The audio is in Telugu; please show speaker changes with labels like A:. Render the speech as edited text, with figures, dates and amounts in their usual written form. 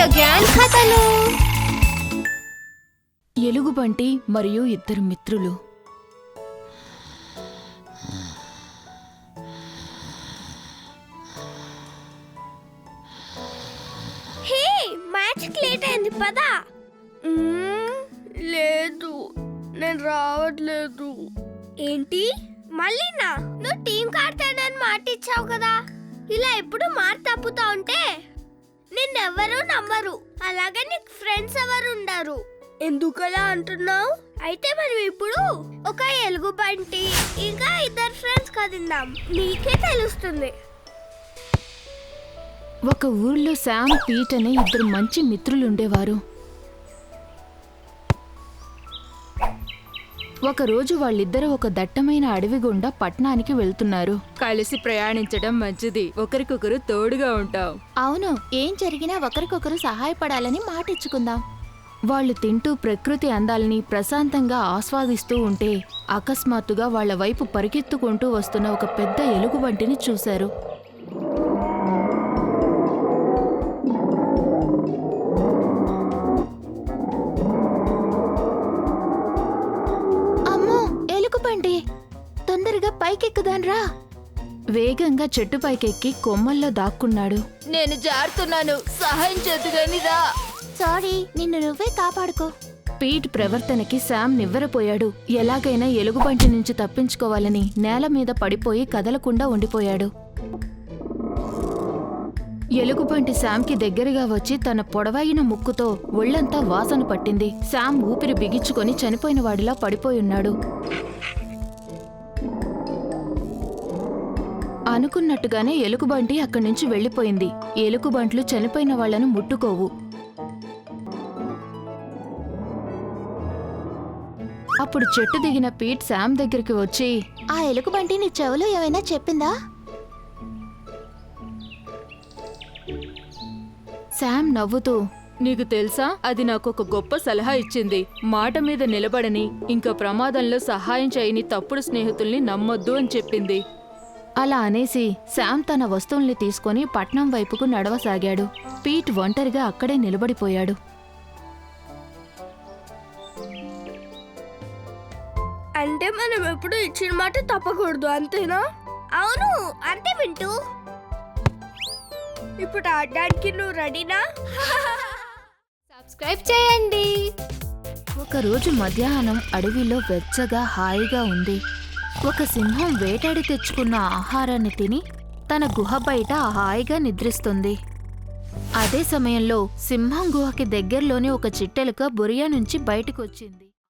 A: గ్యాంగ్ కథలు.
B: ఎలుగుబంటి మరియు ఇద్దరు మిత్రులు.
A: హే, మ్యాచ్కి లేట్ అయింది పదా.
C: లేదు, నేను రావట్లేదు.
A: ఏంటి మళ్ళీనా? నువ్వు టీం ఆడతానని మాట ఇచ్చావు కదా. ఇలా ఎప్పుడు మాట తప్పుతా ఉంటే నిన్నెవరూ నమ్మరు. అలాగే నీకు ఫ్రెండ్స్ ఎవరు ఉండరు.
C: ఎందుకలా అంటున్నావు?
A: అయితే మనం ఇప్పుడు ఒక ఎలుగుబంటి ఇంకా ఇద్దరు ఫ్రెండ్స్ కదిందాం, నీకే తెలుస్తుంది.
B: ఒక ఊర్లో శామ్, పీట్ అనే ఇద్దరు మంచి మిత్రులుండేవారు. ఒకరోజు వాళ్ళిద్దరూ ఒక దట్టమైన అడవి గుండా పట్టణానికి వెళ్తున్నారు.
D: కలిసి ప్రయాణించడం మంచిది, ఒకరికొకరు తోడుగా ఉంటాం.
B: అవును, ఏం జరిగినా ఒకరికొకరు సహాయపడాలని మాటిచ్చుకుందాం. వాళ్ళు తింటూ ప్రకృతి అందాలని ప్రశాంతంగా ఆస్వాదిస్తూ ఉంటే అకస్మాత్తుగా వాళ్ల వైపు పరిగెత్తుకుంటూ వస్తున్న ఒక పెద్ద ఎలుగుబంటిని చూశారు. అమ్మో, ఎలుగుబంటి! తొందరగా పైకెక్కుదాన్రా! వేగంగా చెట్టు పైకెక్కి కొమ్మల్లో దాక్కున్నాడు.
D: నేను జారుతున్నాను, సహాయం చేతుగానిరా.
B: సారీ, నిన్ను నువ్వే కాపాడుకో. పీట్ ప్రవర్తనకి శామ్ నివ్వెరపోయాడు. ఎలాగైనా ఎలుగుబంటి నుంచి తప్పించుకోవాలని నేల మీద పడిపోయి కదలకుండా ఉండిపోయాడు. ఎలుగుబంటి శామ్కి దగ్గరగా వచ్చి తన పొడవైన ముక్కుతో ఒళ్లంతా వాసన పట్టింది. శామ్ ఊపిరి బిగించుకొని చనిపోయిన వాడిలా పడిపోయున్నాడు. అనుకున్నట్టుగానే ఎలుగుబంటి అక్కడి నుంచి వెళ్లిపోయింది. ఎలుగుబంట్లు చనిపోయిన వాళ్లను ముట్టుకోవు. అప్పుడు చెట్టు దిగిన పీట్ శామ్ దగ్గరికి వచ్చి, ఆ ఎలుగుబంటి నీ చెవులో ఏమైనా చెప్పిందా? శామ్ నవ్వుతూ,
D: నీకు తెలుసా, అది నాకు ఒక గొప్ప సలహా ఇచ్చింది. మాట మీద నిలబడని, ఇంకా ప్రమాదంలో సహాయం చేయని తప్పుడు స్నేహితుల్ని నమ్మొద్దు అని చెప్పింది.
B: అలా అనేసి శామ్ తన వస్తువుల్ని తీసుకుని పట్నం వైపుకు నడవసాగాడు. పీట్ ఒంటరిగా అక్కడే నిలబడిపోయాడు.
C: అంటే మనం ఎప్పుడు ఇచ్చిన మాట తప్పకూడదు, అంతేనా?
A: అవును, అంతే వింటూ.
C: ఇప్పుడు ఆడడానికి నువ్వు రెడీనా?
A: సబ్స్క్రైబ్ చేయండి.
B: ఒకరోజు మధ్యాహ్నం అడవిలో వెచ్చగా హాయిగా ఉంది. ఒక సింహం వేటాడి తెచ్చుకున్న ఆహారాన్ని తిని తన గుహ బయట హాయిగా నిద్రిస్తుంది. అదే సమయంలో సింహం గుహకి దగ్గరలోని ఒక చిట్టెలుక బొరియా నుంచి బయటకొచ్చింది.